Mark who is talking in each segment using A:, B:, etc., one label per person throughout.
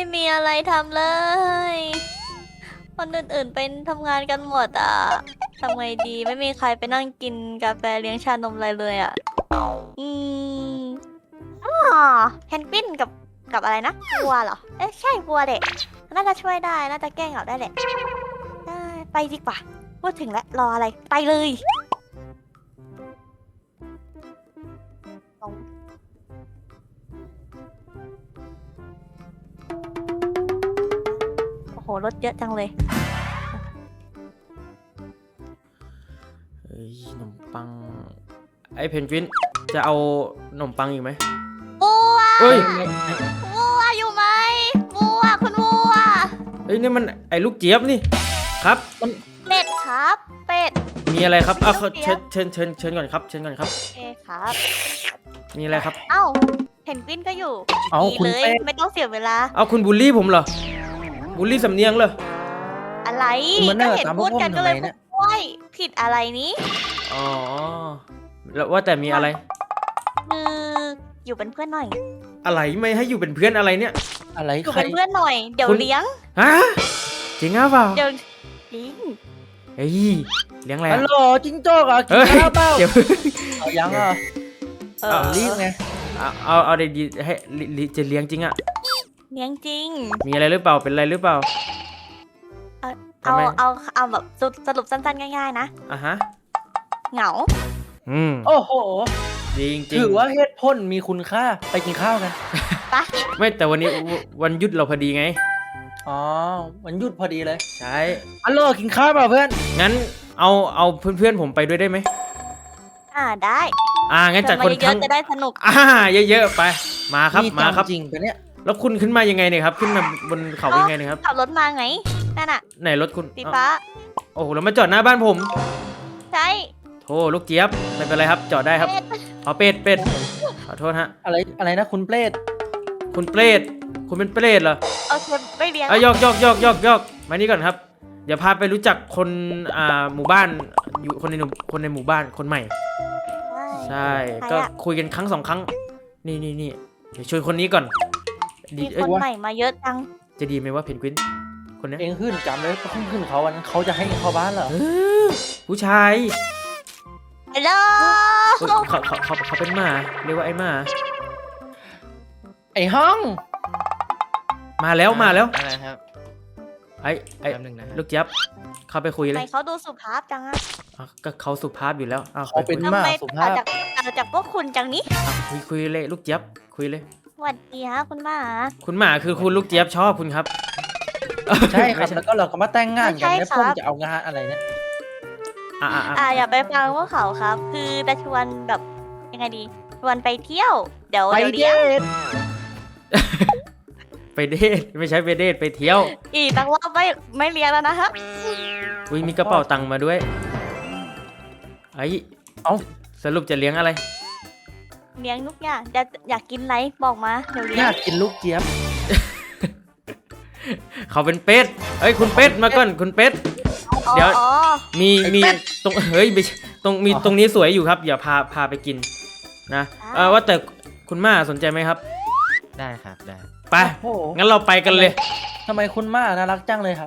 A: มีอะไรทำเลย คนอื่นๆไปทำงานกันหมดอ่ะทำไงดีไม่มีใครไปนั่งกินกาแฟเลี้ยงชานมอะไรเลยอ่ะอืมอ๋อเพนกวินกับอะไรนะวัวเหรอเอ๊ะใช่วัวเด็กน่าจะช่วยได้น่าจะแก้เหงาได้แหละได้ไปดีกว่าพูดถึงแล้วรออะไรไปเลยโอ้โหรถเยอะจังเลย
B: เฮ้ยขนมปังไอ้เพนกวินจะเอาขนมปังอีกไหม
A: วัว
B: เฮ้ย
A: วัวอยู่ไหมวัวคุณวัว
B: เฮ้ยนี่มันไอ้ลูกเจี๊ยบนี่ครับมัน
A: เป็ดครับเป็ด
B: มีอะไรครับเอา
A: ลูกเจี๊ยบ
B: เชิญก่อนครับเชิญก่อนครับ
A: โอเคครับ
B: มีอะไรครับ
A: เอ้าเพนกวินก็อยู่
C: เอา
A: ดี
C: คุณ
A: เลย
C: เป้
A: ไม่ต้องเสียเวลา
B: เอาคุณบูลลี่ผมเหรอบูลลี่สำเนียงเหรอ
A: อะไร
C: คุณมาเน
A: ก็
C: อร์
A: เห็น
C: ตามพ
A: พู
C: วก
A: ด
C: ผม
A: กันก็
C: ทำ
A: เล
C: ไม
A: ย
C: เนี่ย
A: โอ้ยผิดอะไรนี้
B: อ๋อแล้วว่าแต่มีอะไร
A: คืออยู่เป็นเพื่อนหน่อย
B: อะไรไม่ให้อยู่เป็นเพื่อนอะไรเนี่ย
C: อะไร
A: อยู่
C: ใคร
A: เป็นเพื่อนหน่อยเดี๋ยว
B: คุณ
A: เลี้ยง
B: ฮะจริงหรือเปล่า
A: เดี๋ยวจริง
B: เฮ้ยเลี้ยงอะไร
C: ฮั
B: อะ
C: ลโหลจิ้งโจ้กอ่ะกิน
B: เฮ้ย
C: ข้าวเปล่า
B: เดี๋ยว
C: เอายังอ่ะ
A: เอ
B: เอา
A: อ
C: รีบไง
B: เอาดีๆให้จะเลี้ยงจริงอะ
A: เลี้ยงจริง
B: มีอะไรหรือเปล่าเป็นอะไรหรือเปล่า ทำ
A: เอา
B: ไม
A: เอาแบบสรุปสั้นๆง่ายๆนะ
B: อ่ะฮะ
A: เหงา
C: โอ้โห
B: จริงจริง
C: ถือว่าเหตุผลมีคุณค่าไปกินข้าวกัน
A: ปะ
B: ไม่แต่วันนี้วันหยุดเราพอดีไง
C: อ๋อมันหยุดพอดีเลย
B: ใช่
C: ฮัลโหลกินข้าวเปล่าเพื่อน
B: งั้นเอาเพื่อนๆผมไปด้วยได้ไหม
A: ได้
B: งั้นจัด
A: เชิญ
B: คน
A: มาเย
B: ทั้
A: อะ
B: ง
A: ๆจะได้สนุก
B: เยอะๆไปมาครับ
C: นี่
B: มาครับ
C: จริงปะเนี่ย
B: แล้วคุณขึ้นมายังไงเนี่ยครับขึ้นมาบนเขายังไงเนี่ยครับ
A: ขับรถมาไงนั่นน่ะ
B: ไหนรถคุณ
A: สีฟ้า
B: โอ้โหแล้วมาจอดหน้าบ้านผม
A: ใช่
B: โธ่ลูกเจี๊ยบไม่เป็นไรครับจอดได้ครับ
A: เป็ด
B: เอาเป็ดขอโทษฮะ
C: อะไรนะคุณเปรต
B: คุณเปรตคุณเป็นเปรตเหรอ
A: โอเคไม่เลี้ยง
B: ยอกมานี่ก่อนครับเดี๋ยวพาไปรู้จักคนหมู่บ้านอยู่คนในหมู่บ้านคนใหม่ ใช่ ก็คุยกันครั้งสองครั้ง นี่เดี๋ยวชวนคนนี้ก่อนดี
A: มีคนใหม่มาเยอะจัง
B: จะดีไหมว่าเพนกวินคนเนี้ย
C: เองขึ้นจำเลยขึ้นเขาวันนั้นเขาจะให้เองเข้าบ้านเหรอ
B: เออผู้ชาย
A: ฮัลโหล
B: เฮ้ยเขาเป็นหมาเรียกว่าไอ้หมา
C: ไอ้ห้อง
B: มาแล้ว
D: อะไรครับ
B: ไอ้
D: แป๊บนึงนะ
B: ลูกเจี๊ยบเข้าไปคุย
A: ทำ
B: เล
A: ไม
B: ย
A: เขาดูสุภาพจังอะ
B: ก็เขาสุภาพอยู่แล้ว
C: เขาเป็น
A: ทำ
C: หมา
A: ไม
C: สุ
A: ต่า
C: ภาง พ
A: จากพวกคุณจังนี้
B: คุยเลยลูกเจี๊ยบคุยเลย
A: สวัสดีฮะคุณหมา
B: คุณหมาคือคุณลูกเจี๊ยบชอบคุณครับ
C: ใช่ครับแล้วก็เราก็มาแต่งงานกัน
A: ไม่
C: แล้ว
A: ใช่
C: ผม
A: ครับ
C: จะเอางานอะไรเนี่ย
A: อย่าไปฟังพวกเขาครับ คือจะชวนแบบยังไงดีชวนไปเที่ยว เดี๋ยว
C: ไป
A: เลี้ยง
C: เดท
B: ไปเดทไม่ใช่ไปเดทไปเที่ยว
A: อีกตั้งรอบไม่เลี้ยงแล้วนะฮะ
B: อุ้ยมีกระเป๋าตังค์มาด้วยไอ้สรุปจะเลี้ยงอะไร
A: เลี้ยงทุกอย่างอยากกินอะไรบอกมาเดี๋ยวเลี้
C: อย
A: ง
C: ยากกินลูกเจี๊ยบ
B: เขาเป็นเป็ดเอ้ยคุณเป็ดมาก่อนคุณเป็ด เดี๋ยว
A: อ๋อ
B: มีตรงเฮ้ยไม่ใช่ตรงนี้สวยอยู่ครับอย่าพาไปกินนะว่าแต่คุณม่าสนใจไหมครับ
D: ได้ครับได้
B: ไป
C: โอ้โห
B: งั้นเราไปกันเลย
C: ทำไมคุณม่าน่ารักจังเลยครับ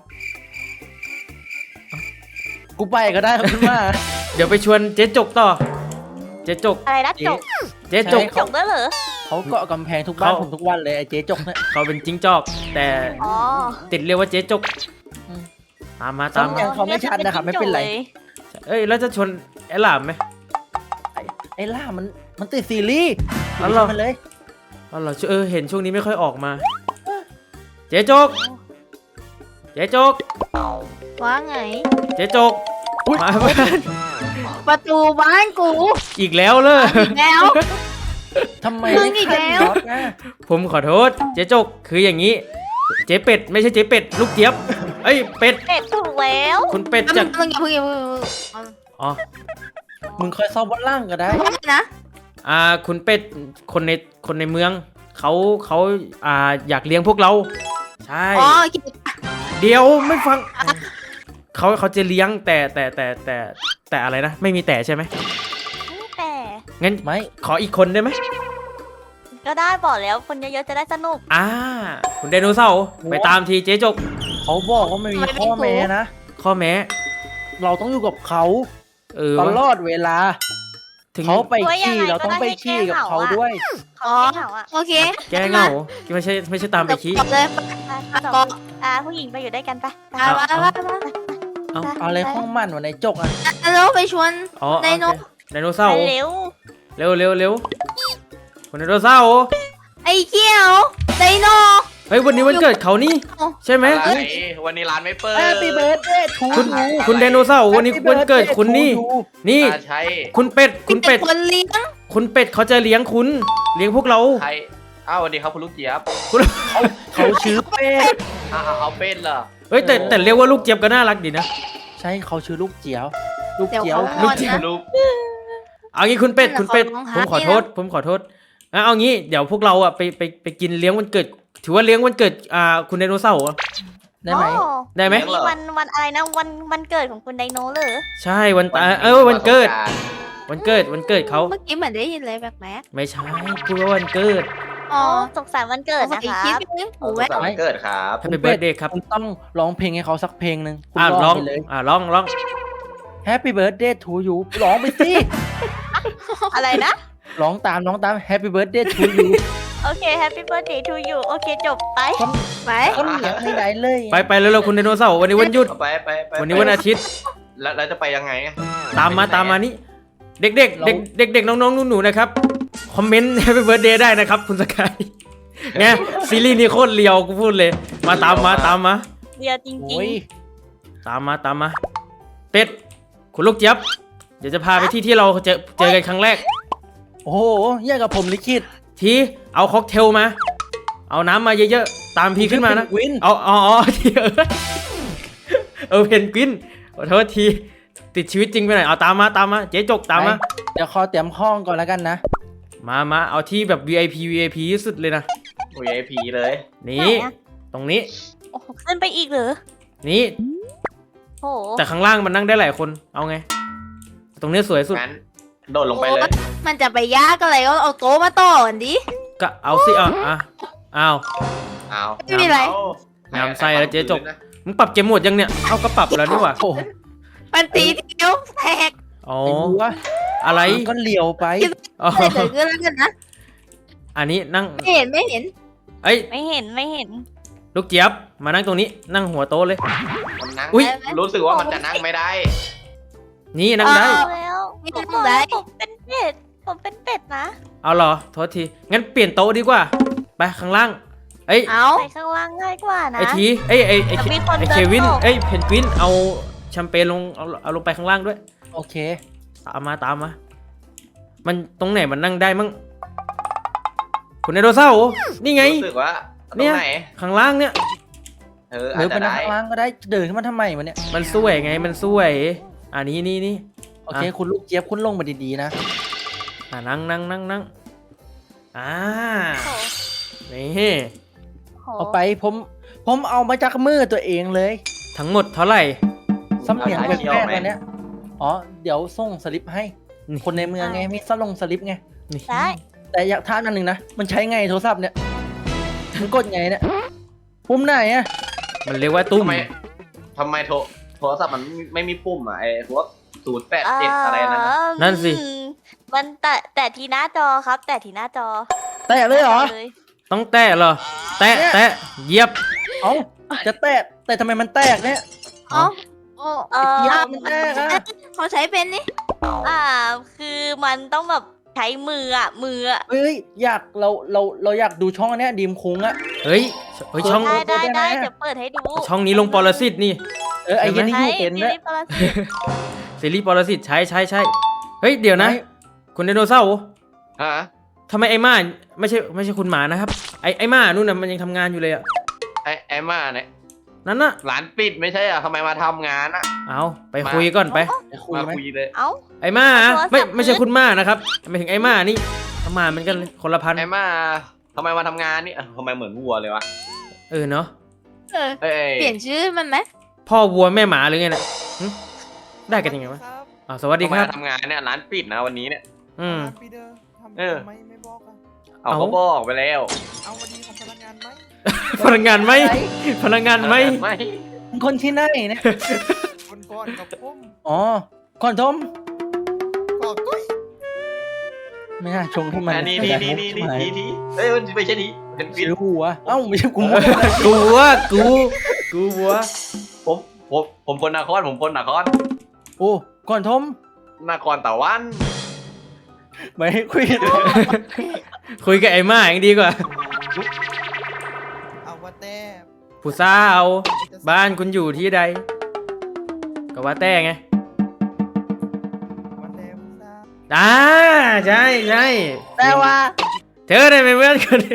C: กูไปก็ได้ครับคุณม่า
B: เดี๋ยวไปชวนเจ๊จกต่อ เจ๊จก
A: อะไรนะจก
B: เจ๊จก
C: ใช่
A: จกด้วยเหรอ
C: เขาเกาะกำแพงทุกบ้านผมทุกวันเลยไอ้เจ๊จกเนี่ย
B: เขาเป็นจิ้งจอก แต่
A: อ๋อ
B: ติดเรียกว่าเจ๊จก
C: อืม
B: ตามมา
C: สำเนียง เขาไม่ชัดนะครับไม่เป็นไร
B: เอ้ยแล้วจะชวนไอ้หลามไหม
C: ไอ้ล่ามันติดซีรีส์
B: อ๋อเหรอ
C: มันเลย
B: อ๋อเหรอเห็นช่วงนี้ไม่ค่อยออกมา เจ๊จก เจ๊จก
A: ว่าไง
B: เจ๊จกมาบ้าน
A: ประตูบ้านกู
B: อีกแล้วเลย
A: แล้ว
C: ทำไม
A: มึงอีกแล้ว
C: ขัดน็อตนะ
B: ผมขอโทษ เจ๊จกคืออย่างนี้ เจ๊เป็ดไม่ใช่เจ๊เป็ดลูกเจี๊ยบเอ้ยเป็ด
A: เป็ดถูกแล้ว
B: คุณเป็ดจาก
A: มึงอย่าเพิ่ง
B: อ๋อ
C: มึงคอยซ้อมบนล่างก็ได้
A: นะ
B: คุณเป็ดคนในเมืองเขาอยากเลี้ยงพวกเรา ใช่
A: อ๋อ
B: เดี๋ยวไม่ฟังเขาจะเลี้ยงแต่อะไรนะไม่มีแต่ใช่ไหม
A: แต่
B: งั้น
C: ไม่
B: ขออีกคนได้ไหม
A: ก็ได้บอกแล้วคนเยอะๆจะได้สนุก
B: คุณไดโนเสาร์ไปตามทีเจ๊จก
C: เขาบอกว่าไม่มีข้อแม้นะ
B: ข้อแม้
C: เราต้องอยู่กับเขา
B: วะ
C: ตลอดเวลา
B: ถึง
C: เขาไป
A: ว่ายัง
C: ขี้
A: ไง
C: เราต้องไป
A: ก็ได้ให้
C: ขี้กับ
A: แก้เหงา
C: เขา
A: อะ
C: ด้วย
A: เขาไม่เหงาอ่ะ
E: โอเค
B: แก้เหงาไม่ใช่ตามไปขี้
E: จบเลย
A: สองผู้หญิงไปอยู่ด้วยกันไปไป
E: มามามา
B: เอา
C: เอาอะไรห้องมันวันไหนจกอ่ะ
E: แล้วไปชวน
B: อ๋อ
E: ไดโน
B: โอเคไดโนเสาร์
A: เร็ว
B: เร็วคุณไดโนเสาร์
E: ไอ้เขี้ยวไดโน
B: เฮ้ยวันนี้วันเกิดเขานี่ใช่ไหม
F: อะไรวันนี้ร้านไม่เปิด
C: แฮปปี้เบิร์ดเดย์ทู
B: คุณไดโนเสาร์วันนี้วันเกิดคุณนี่ นี่
F: ใช่
B: คุณเป็ดคุณเป็ด
E: คนเลี้ยง
B: คุณเป็ดเขาจะเลี้ยงคุณเลี้ยงพวกเรา
F: ใครอ้าวสวัสดีครับคุณลูกเจี๊ยบ
C: เขาชื่อเป็ด
F: เอาเป็นเหรอ
B: เฮ้ยแต่เรียกว่าลูกเจี๊ยบก็น่ารักดีนะ
C: ใช่เขาชื่อลูกเจียว ลูก
E: เดี๋ยว
C: เจียว
E: เขางอนนะ
F: ลูก
B: เอางี้คุณเป็ดคุณเป็ด
E: เขาร้อง
B: ผม
E: ไห้
B: ขอโทษผมขอโทษงั้นเอางี้เดี๋ยวพวกเราอ่ะไปกินเลี้ยงวันเกิด ถือว่าเลี้ยงวันเกิดคุณไดโนเสาร์อะ
C: ได้ไหม
A: โอ้
B: ได้ไหม
A: นี่วันอะไรนะวันเกิดของคุณไดโนเหรอ
B: ใช่วันตายวันเกิดวันเกิดเขา
E: เมื่อกี้เหมือนได้ยินอะไรแปลก
B: ไม่ใช่พูดว่าวันเกิด
E: ๆอ๋อ
A: สงสารวันเกิดนะ
E: คิ
A: คะ
E: ดไปเรื่อง
F: โอ้
E: หู
F: โห
E: แว่น
F: สามเกิดครับ
B: Happy Birthday ครับ
C: คุณต้องร้องเพลงให้เขาสักเพลงหนึ่งคุณ
B: ร้
C: ร้
B: อ
C: อง งไปเลย
B: ร้อง
C: Happy Birthday to you ร้องไปสิ
A: อะไรนะ
C: ร้องตามHappy Birthday to you
A: โอเค Happy Birthday to you โอเคจบไป
E: ไป
C: ก็เลี้ยงให้ได้เลย
B: ไปเร็วๆคุณไดโนเสาร์วันนี้วันหยุด
F: เอาไป
B: วันนี้วันอาทิตย์
F: แล้วจะไปยังไงอะ
B: ตามมานี่เด็กๆน้องๆหนูๆนะครับคอมเมนต์ Happy Birthday ได้นะครับคุณสกายเนี่ยซีรีส์นี้โคตรเลียวกูพูดเลยมาตามมา
A: เดียวจริง
C: โอ้ย
B: ตามมาเป็ดคุณลูกเจี๊ยบเดี๋ยวจะพาไปที่เราเจอกันครั้งแรก
C: โอ้โหแย่กับผมลิขิต
B: ทีเอาค็อกเทลมา เอาน้ำมาเยอะๆตามพี่ขึ้นมานะ
C: วิน
B: เอาทีเพนกวินขอโทษทีติดชีวิตจริงไปหน่อยเอาตามมาเจ๊จกตามมา
C: เดี๋ยวขอเตรียมห้องก่อนแล้วกันนะ
B: มาเอาที่แบบ VIP ที่สุดเลยนะ
F: โอ้ยไอผีเลย
B: นี่ตรงนี้
A: ๆโอ้โหขึ้นไปอีกเหรอ
B: นี่
A: โอ้โห
B: แต่ข้างล่างมันนั่งได้หลายคนเอาไง ตรงนี้สวยสุด
F: งั้นโดดลงไปเลย
E: มันจะไปยากอะไรก็เอาโต๊ะมาต่อกันดิ
B: ก็เอาสิเอา
F: เอา
E: ไม่มีอะไร
B: งามไส้แล้วเจ๊จก มึงปรับเกมโหมดยังเนี่ยเอาก็ปรับแล้วนี่หว่า
C: โอ้โห
E: มันตีทีเดียวแตก
B: อ๋อ
C: ไอ้บัว
B: อะไร
C: ก็เลียวไป
B: อ๋อ
E: อะไรเกิดขึ้นแล้วกันนะ
B: อันนี้นั่ง
E: ไม่เห็น
B: เอ้ย
A: ไม่เห็น
B: ลูกเจี๊ยบมานั่งตรงนี้นั่งหัวโต๊ะเลย
F: มันนั่ง
B: อุ๊ย
F: รู้สึกว่ามันจะนั่งไม่ได้
B: นี่นั่งได้
A: แล้ว
E: ไม่
A: ผม
E: ต้
A: บ
E: อ
A: อง ก
E: ได้
A: แล้วผมเป็นเป็ดผมเป็นเป็ดนะ
B: เอาเหรอโทษทีงั้นเปลี่ยนโต๊ะดีกว่าไปข้างล่างเอ้ย
E: เอา
A: ไปข้างล่างง่ายกว่านะ
B: ไอทีไอ้
A: แต่มีคน
B: ไอ
A: เดิน
B: เควิน
A: ออก
B: เอ้ยเพนกวินเอาแชมเปญลงเอาลงไปข้างล่างด้วย
C: โอเค
B: ตามมามันตรงไหนมันนั่งได้มั่งคุณไดโนเสาร์นี่ไง
F: รู้สึกว่าต
B: เนี่
F: รง
B: ย
F: ไหน
B: ข้างล่างเนี่ย
F: เออ
C: ห
F: อา
C: รื
F: จ
C: อไป
F: จะ
C: นั่ง
F: ได้
C: ข้างล่างก็ได้เดินขึ้นมาทำไมวะเนี่ย
B: มันสวยไงมันสวยนี่
C: โอเค คุณลูกเจี๊ยบคุณลงมาดีๆนะ
B: นั่งอ่า
A: โอ้โห
B: นี่
A: โห
C: เอาไปผมเอามาจากมือตัวเองเลย
B: ทั้งหมดเท่าไหร่
C: สำเนียงแปลกๆอันเนี้ยอ๋อเดี๋ยวส่งสลิปให้
B: นี่
C: คนในเมืองไงมีสลิปไง
B: นี่
A: ได้
C: แต่อยากถามอันหนึ่งนะมันใช้ไงโทรศัพท์เนี่ยมันกดไงเนี่ยปุ่มไหนอะ
B: มันเรียกว่าตุ้ม
F: ทำไมโทรศัพท์มันไม่มีปุ่มอ่ะไอ้พวก087อะไรนั่นน่ะ
B: นั่นสิ
A: มันแต่ที่หน้าจอครับ แต่ที่หน้าจอ
C: แตะเลยเหรอ
B: ต้องแตะเหรอแตะเหยียบ
C: เอ้าจะแตะแต่ทำไมมันแตกเนี่ย
E: เอาโอ้
C: เยียบมันแตกอะ
E: เขาใช้เป็นนี่
A: คือมันต้องแบบใช้มืออะ
C: เฮ้ยอยากเราอยากดูช่องอันเนี้ยดีมคุ้งอะ
B: เฮ้ยช่อง
A: ได้
C: ได้ไหม
A: เดี๋ยวเปิดให้ดู
B: ช่องนี้ลงปรสิตนี่
C: ไอ้เหี้ยันนี่
A: ใช่
C: ยูเป็น
A: ซี
C: ด้วย
A: รีส์ปรสิต
B: ซีรีส์ปรสิตใช่เฮ้ยเดี๋ยวนะ คุณไดโนเสาร์
F: ฮะ
B: ทำไมไอ้ม่าไม่ใช่คุณหมานะครับไอ้ม่านู่นน่ะมันยังทำงานอยู่เลยอะ
F: ไอ้มาเนี่ย
B: นั่นน่ะ
F: ร้านปิดไม่ใช่เหรอทำไมมาทำงานอ่ะ
B: เอาไปคุยก่อนไป
C: จะคุย
F: มา
C: ไหม
F: คุยเลย
A: เอ้า
B: ไอ้ม่า
A: เอาโทรศัพท์
B: ไม่ใช่คุณม่านะครับไม่ถึงไอ้ม่านี่หมาเหมือนกันเลยคนละพัน
F: ไอ้มาทำไมมาทำงานนี่ทำไมเหมือนวัวเลยวะ
B: เนาะ
E: เปลี่ยนชื่อมันไหม
B: พ่อวัวแม่หมาหรือไงเนี่ยหึได้กันยังไงวะสวัสดี
F: ทำไม
B: ครับ
F: มาทำงานเนี่ยร้านปิดนะวันนี้เนี่ย
B: อืม
F: เออเอาเขาบอกไปแล้ว
G: เอาวันดีของพนักงานไหม
B: พนักงานไหมพนักงานไหม
F: ไม่
C: มึงคนที่ไหนเนี่ย
G: คนก่อนกับผม
C: อ๋อก่อนทม
G: ก็ก้อย
C: ไม่น่าชงให้มัน
F: นี่เอ้ยมันไม่ใช่ดีเป็นฟิ
C: ชื่
F: น
C: อหัวเอ้าไม่ใช่กู
B: กูว่ากูวัว
F: ผมคนนครผมคนนคร
C: โอ้ก่อนทม
F: นครตะวัน
C: ไม่ให้คุย
B: คุยกับไอ้ม่าอย่างดีกว่า
G: เอาว่าแต่
B: ผู้สาวบ้านคุณอยู่ที่ใดก็ว่าแต่ไง
G: วันแต่ผู้สาว
B: ใช่ใช่
C: แต่ว่า
B: เธอได้เป็นเพื่อนกัน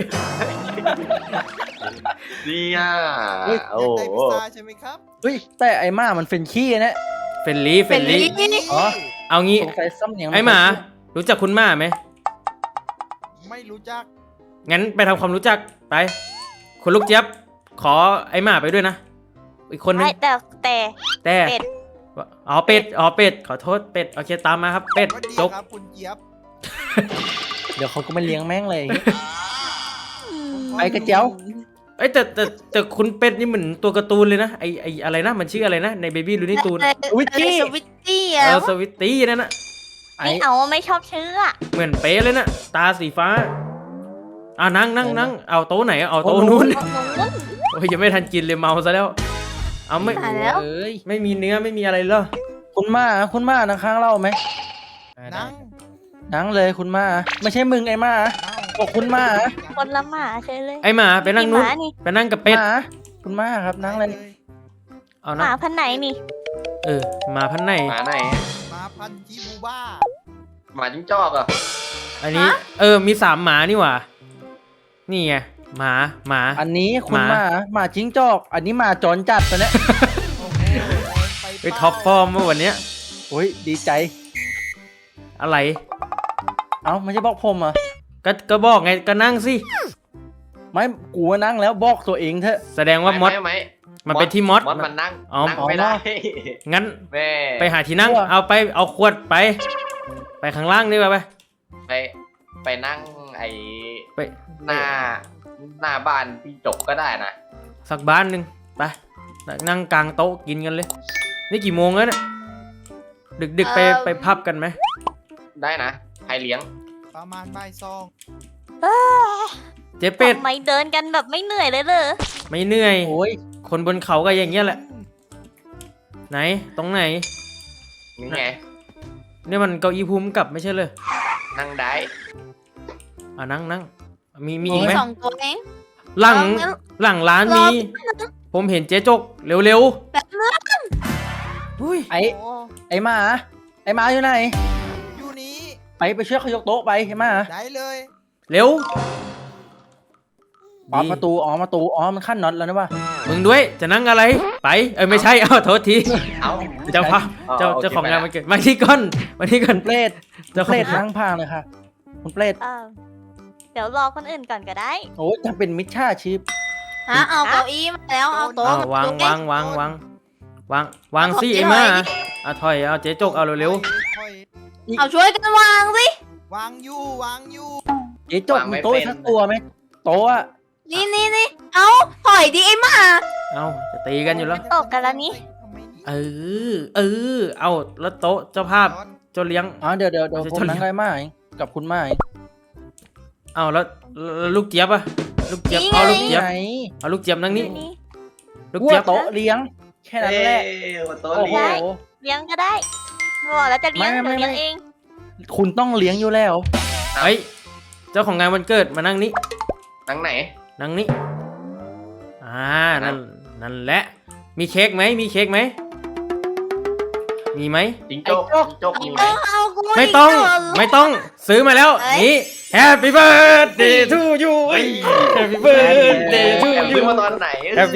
F: นี่อ่ะ
G: อยา
F: โอ้
G: กได้พิซซ่าใช่ไหมครับ
C: เฮ้ยแต่ไอ้ม่ามันเป็นขี้นะ
B: เฟลลี่
C: อ๋อ
B: เอางี้
C: สงสัยซ้ำเนียงน
B: ไอ้หมา รู้จักคุณม่าไหม
G: ไม่รู้จัก
B: งั้นไปทำความรู้จักไป คุณลูกเจี๊ยบขอไอ้หมาไปด้วยนะ อีกคนนึง
A: ไม่แต่
B: แต่
A: เป็ด
B: อ๋อเป็ดขอโทษเป็ดโอเคตามมาครับเป็ด
G: สวัสดี
B: จก
G: ครับคุณเจี๊ยบ
C: เดี๋ยวเขาก็ไม่เลี้ยงแม่งเลย ไปกระเจียว
B: เอ้ยแต่คุณเป็ดนี่เหมือนตัวการ์ตูนเลยนะไออะไรนะมันชื่ออะไรนะในเบบี้ลูนี่ตูน
C: วิกกี้
E: สวิตตี้อะ
B: สวิตตี้นั่นนะ
A: ไม่เอาไม่ชอบชื่ออะ
B: เหมือนเป๊ะเลยนะตาสีฟ้านั่งเอาโต๊ะไหนเอาโต๊ะนู้น
A: เอาหนู
B: โอ้ยยังไม่ทันกินเลยเมาซะแล้ว เอาไม่
E: ตายแล้ว
C: เอ้ย
B: ไม่มีเนื้อไม่มีอะไรเหรอ
C: คุณม่านะข้างเล่าไหม
G: นั่ง
C: นั่งเลยคุณม่าไม่ใช่มึงไอ้ม่าบอกคุณม่า
A: คนละหมาเฉยเลย
B: ไอหมาไปนั่งนู้น
A: หมานี่
B: ไปนั่งกับเป็ด
C: หมาคุณม่าครับนั่งเลย
B: เอา
A: ห
B: นั่
A: มาง พันธุ์ไหนนี่
B: หมาพันธุ์ไหน
F: หมาไหน
G: มาพันจีบูบ้า
F: หมาจิ้งจอกอ่ะ
B: อันนี้มี3หมานี่หว่านี่ไงหมา
C: อันนี้คุณ
B: หมา
C: หมาจิ้งจอก อันนี้หมาจรจัดตัวเนี้ย
G: โอ้โหไป
B: ไปท็อปฟอร์มเมื่อวันเนี้ย
C: โอ้ยดีใจ
B: อะไร
C: เอ้าไม่ใช่บอกผมอ่ะ
B: ก็บอกไงก็นั่งสิ
C: ไม่กูว่านั่งแล้วบอกตัวเองเถอะ
B: แสดงว่ามด
F: ไม่
B: มันเป็นที่มด
F: มดมันนั่ง
B: อ๋อ
F: นั่งไม่ได้
B: งั้น
F: แม่
B: ไปหาที่นั่งเอาขวดไปข้างล่างดีกว่าไป
F: ไปนั่งไอ้
B: ไป
F: หน้าบ้านพี่จกก็ได้นะ
B: สักบ้านหนึ่งไปนั่งกลางโต๊ะกินกันเลย นี่กี่โมงแล้วเนี่ยดึกไปพับกันไหม
F: ได้นะใครเลี้ยง
G: ประมาณบ่ายสอง
B: เจ๊เป็ด
A: ทำไมเดินกันแบบไม่เหนื่อยเลยเลย
B: ไม่เหนื่อย
C: โอ้ย
B: คนบนเขาก็อย่างเงี้ยแหละ ไหนตรงไหน
F: นี่ไง
B: เนี่ยมันเก้าอี้ภูมิกับไม่ใช่เลย
F: นั่งได้
B: นั่งมีอีกไหม
E: สองตัวเอง
B: หลัง
E: เอางั้น
B: หลังร้าน
E: รอ
B: มีผมเห็นเจ๊จกเร็ว
E: แบบนั้น
B: ๆอุ้ย
C: ไอ้
G: โอ้
C: ไอ้หมาอยู่ไหน
G: อยู่นี้
C: ไปช่วยเขายกโต๊ะไปไอ้หมา
G: ได้เลย
B: เร็ว
C: ประตูมันขั้นน็อตแล้วนะวะ
B: มึงด้วยจะนั่งอะไรไปไม่ใช่เอาโทษที
F: เอ้า
B: เจ้าค่ะเจ้าของงานมันเกิดมาที่ก้อนมาที่ก้อน
C: เปรต
B: เจ้า
C: เป
B: ข
C: ร
B: อง
C: ตนั่งพางเลยค่ะคุณเปรต
A: เดี๋ยวรอคนอื่นก่อนก็ได้
C: โอ้ยจะเป็นมิจฉาชีพ
E: ฮะเอาเก้าอี้มาแล้วเอาโต๊ะ
B: วางสิไอ้มาเอาถอยเอาเจ๊จกเอาเร็ว
G: ค่อย
E: เอาช่วยกันวางสิ
G: วางอยู่
C: เจ๊จกมีโต๊ะสักตัวไหมโต๊ะอะ
E: นี่เอาถอยดิไอ้หมา
B: ๆเอาจะตีกันอยู่แล้ว
A: ตกกันแล้วนี่
G: ทำไมนี่
B: เอาแล้วโต๊ะเจ้าภาพเจ้าเลี้ยง
C: อ๋อเดี๋ยว
B: จะ
C: ผม
B: ชน
C: นั่งได้ไหมกับคุณไม้
B: เอาแล้วลูกเจี๊ยบอะลูกเจี๊ยบเอาลูกเจี๊ยบ
C: ไหน
B: เอาลูกเจี๊ยบนั่งนี่
A: นี่
B: ลูก
C: วัว
B: เจี๊ยบ
C: โต๊ะเลี้ยง แค่นั้นแหละ
F: โต๊ะ
C: โอ้โห
F: เลี้ยง
A: เลี้ยงก็ได้บอกแล้วจะเลี้ยง
C: ไม่
A: เดี๋ยวเลี้ยงเอง
C: คุณต้องเลี้ยงอยู่แล้ว
B: เฮ้ยเจ้าของงานวันเกิดมานั่งนี่
F: นั่งไหน
B: นั่งนี่นั่นแหละ มีเค้กไหมมีไหม
F: จิงจก
C: ไอ้จก
F: จิงจกมีไหม
E: เอากู
B: ไม่ต้องซื้อมาแล้วนี่ Happy birthday to you เอ้ย Happy birthday to
F: แอบ
B: you
F: ซื้อมาตอนไหน
B: Happy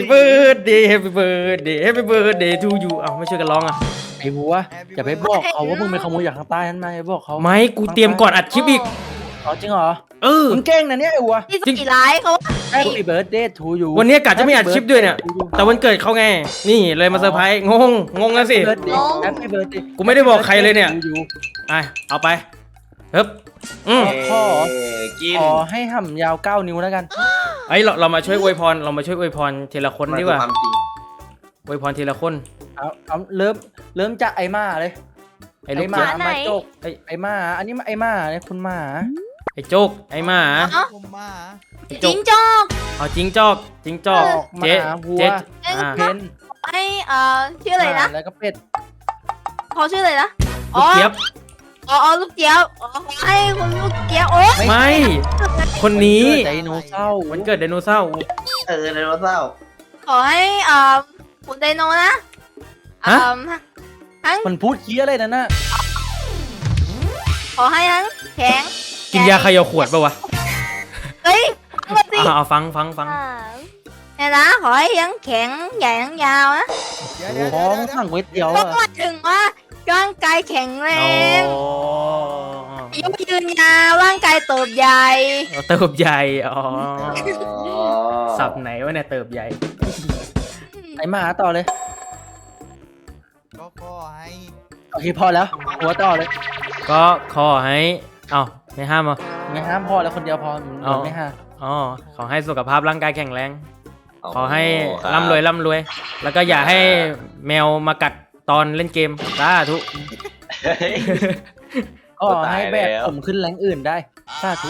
B: birthday to you เอาไม่ช่วยกันร้องอ่ะ
C: ไอ้วัวอย่าไปบอกเขาว่ามึงไปขโมยจากข้างใต้นั้นมาอย่าบอกเขา
B: ไม่กูเตรียมก่อนอัดคลิปอีก
C: อ๋อจริงเหรอ
B: มึ
C: มึงเก่งนะเนี่ยไอ้วัว
E: ที่สี่ร้ายเขา
C: Happy birthday to you
B: วันนี้กะจะไม่อัดคลิปด้วยเนี่ย แต่วันเกิดเขาไง นี่เลยมาเซอร์ไพรส์งงแล้วสิ
C: Happy birthday
B: กูไม่ได้บอกใครเลยเนี่ย
C: to you
B: เอาไปเฮ้บอืม
C: ขอ
F: กิน
C: ขอให้ห่ำยาว9 นิ้วแล้วกัน
B: ไอ้ยเรามาช่วยอวยพรเรามาช่วยอวยพรทีละคนดีกว่า
F: ความจริง
B: อวยพรทีละคน
C: เอาเริ่มจากไอ้หมาเลย
B: ไอ้ลูก
C: หมา
B: เจี๊ยบ
A: ไหน
C: มาโจกไอ้หมาอันนี้ไอ้หมาเนี่ยคุณหมา
B: ไอ้โจกไอ้หมา
G: ผมมา
B: ไอ้
E: จิงจอก
B: เอาจิงจอกจิงจอก
C: หมา
B: เจ๊
C: วัว
B: เจ๊อ่า
C: เพน
E: ให้ชื่ออะไรนะ
C: แล้วก็เป็ด
E: เขาชื่ออะไรนะ
B: ลูกเจี๊ยบ
E: อ๋อลูกเจี๊ยบอ๋อขอให้คุณลูกเจี๊ยบโอ้
B: ไม่ คนนี้
C: ไดโนเสาร์
B: วันเกิดไดโนเสาร์
F: ไดโนเสาร์
E: ขอให้คุณไดโนนะ
B: ฮะ
E: ทั้ง
C: มันพูดเคี้ยอะไรนั่นน่ะ
E: ขอให้ทั้งแข็ง
B: กินยาเขย่าขวดปะวะ
E: เฮ้ยฟังมาสิ
B: เอาฟัง
E: เนี่ยนะขอให้ทั้งแข็งใหญ่ทั้งยาวนะ
G: เดี๋ยว
C: โอ้
G: เดี๋ยว
C: โห
G: เดี๋ยว
C: สั่งก๋วยเตี๋ยว
E: ก็
C: อะ
E: หมายถึงว่าร่างกายแข็งแร
B: โอ้
E: งอายุยืนยาวร่างกายเติบใหญ่
B: เติบใหญ่อ๋อสับไหนวะเนี่ยเติบใหญ่
C: ไอ้หมาต่อเลย
G: ก็ขอให้
C: โอเคพอแล้วหัวต่อเลย
B: ก็ขอให้เอ้าไม่ห้ามเหรอ
C: ไม่ห้ามพอแล้วคนเดียวพอมัน
B: เอา
C: ไม่ห้าม
B: อ๋อขอให้สุขภาพร่างกายแข็งแรง ขอให้
F: ครับ
B: ร่ำรวย แล้วก็อย่าให้แมวมากัดตอนเล่นเกมสาธุ
F: เฮ้ย
C: ก็ให้แบก
F: ตายแล้ว
C: ผมขึ้นแรงอื่นได้สาธุ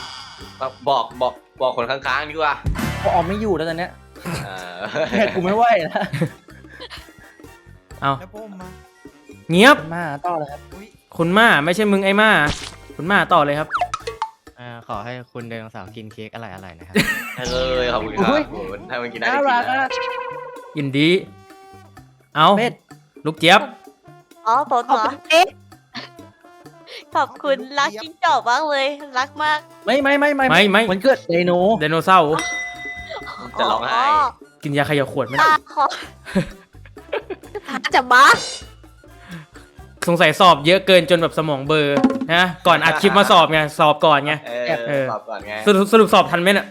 F: บอกคนข้างๆดีกว่า
C: เพราะออมไม่อยู่แล้วตอนเนี้ย
F: เออ
C: แบกกูไม่ไหวแล้ว
B: เอา
G: แล้วผมมา
B: เงียบ
C: หมาต่อเลยครับ
G: อุ้ย
B: คุณม่าไม่ใช่มึงไอ้ม่าคุณม่าต่อเลยครับ
D: ขอให้คุณไดโนเสาร์กินเค้กอร่อยๆนะครับ
F: ขอบคุณครับผมถ้ามันกินได้
C: น่า
F: ก็กิ
C: รั
F: น
C: ก
F: นะ
C: อ่ะ
B: ยินดี เอา
C: เป็ด
B: ลูกเจี๊ยบ
A: อ๋อผม
E: ขอบ
A: เหรอ
E: คุณเอ๊ะ
A: ขอบคุณรักจิ้งจอกมากเลย รักมาก
C: ไม่
B: ไม่
C: มันเกิดไดโน
B: ไดโนเสาร์
F: จะร้องไห้
B: กินยาเขย่าขวดไหม
A: ขอ
E: จะบ้า
B: สงสัยสอบเยอะเกินจนแบบสมองเบลอร์นะก่อนอัดคลิปมาสอบไงสอบก่อนไง
F: เออตอบก่อนไง
B: สรุปสอบทันไหมเนี่ย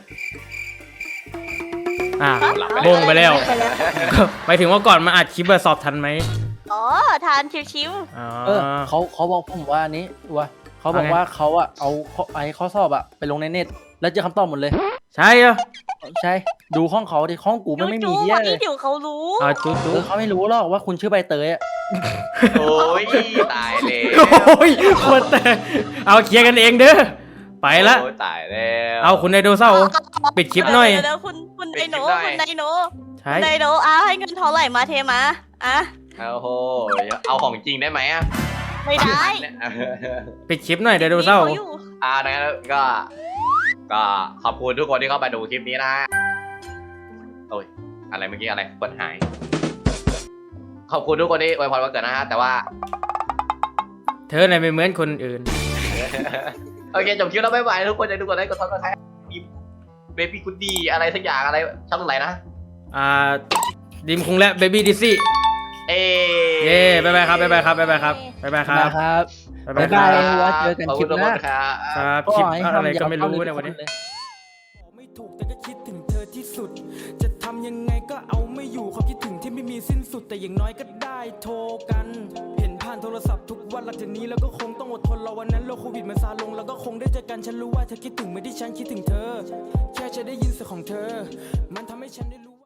F: หลับ
B: บงไปแล้วหมายถึงว่าก่อนมาอัดคลิปอะสอบทันไหม
A: อ๋อ ทานชิว
B: อ๋อ
C: เขาบอกผมว่านี้ว่าเขาบอกว่าเขาอะเอาข้อสอบอะไปลงในเน็ต แล้วเจอคำตอบหมดเลย
B: ใช่เหรอ
C: ใช่ ดูห้องเขาดิห้องกู
A: ๆ
C: มันไม่มี
A: จู๊
C: เหี้ย
A: วัน
C: เล
A: นี้
C: ย
A: เดี๋ยวเขารู้
B: จุ๊
C: เขาไม่รู้หรอกว่าคุณชื่อใบเตยอะ
F: โอ้ยตายเลย
B: โอ้ยคนแต่เอาเคลียร์กันเองเด้อไปละ
F: โอ้ยตายแล้ว
B: เอาคุณไดโนเสาร์ปิดคลิปหน่อย
A: เดี๋ยวคุณไดโน
F: ปิดคลิปหน่อย
A: คุณไดโน
B: ใช่
A: คุณไดโนให้เงินเท่าไหร่มาเทมาอ่ะ
F: โอ้โหเอาของจริงได้ไหมอ่ะ
A: ไม่ได้
B: ปิดคลิปหน่อยไดโนเสาร์
A: มีขอยู่
F: ดังนั้นก็ขอบคุณทุกคนที่เข้ามาดูคลิปนี้นะโอ้ยอะไรเมื่อกี้อะไรกดหาย ขอบคุณทุกคนที่อวยพรวันเกิดนะฮะแต่ว่า
B: เธอไหนไม่เหมือนคนอื่น
F: โอเคจบคลิปแล้วบ๊ายบายทุกคนใจทุกคนได้กดซับสไครต์มีเบบี้กูดี้อะไรสักอย่างอะไรช่องไหนนะ
B: ดิมคุงและเบบี้ดิซี่
F: เอ
B: เย้บ๊ายบายครับบ๊ายบายครับบ๊ายบายครับบ๊ายบายครับ
C: นะครับ
B: บ๊ายบาย
C: บ๊าย
B: ครับ
C: บาย ว่าเจอกัน
F: ขอบ
C: คลิ
F: คุ
C: ป
F: ณทุก
C: ห
F: ค
C: น้า
F: นครับ
B: ครับคลิปอะไรก็ไม่รู้ในวันนี้
H: ไม่ถูกแต่ก็คิดถึงเธอที่สุด จะทำยังไงก็เอาไม่อยู่ความคิดถึงที่ไม่มีสิ้นสุด แต่อย่างน้อยก็ได้โทรกัน เห็นผ่านโทรศัพท์ทุกวันหลังจากนี้แล้วก็คงต้องอดทนรอวันนั้นโรคโควิดมันซาลงแล้วก็คงได้เจอกันฉันรู้ว่าเธอคิดถึงไม่ได้ฉันคิดถึงเธอ แค่จะได้ยินเสียงของเธอ มันทำให้ฉันได้รู้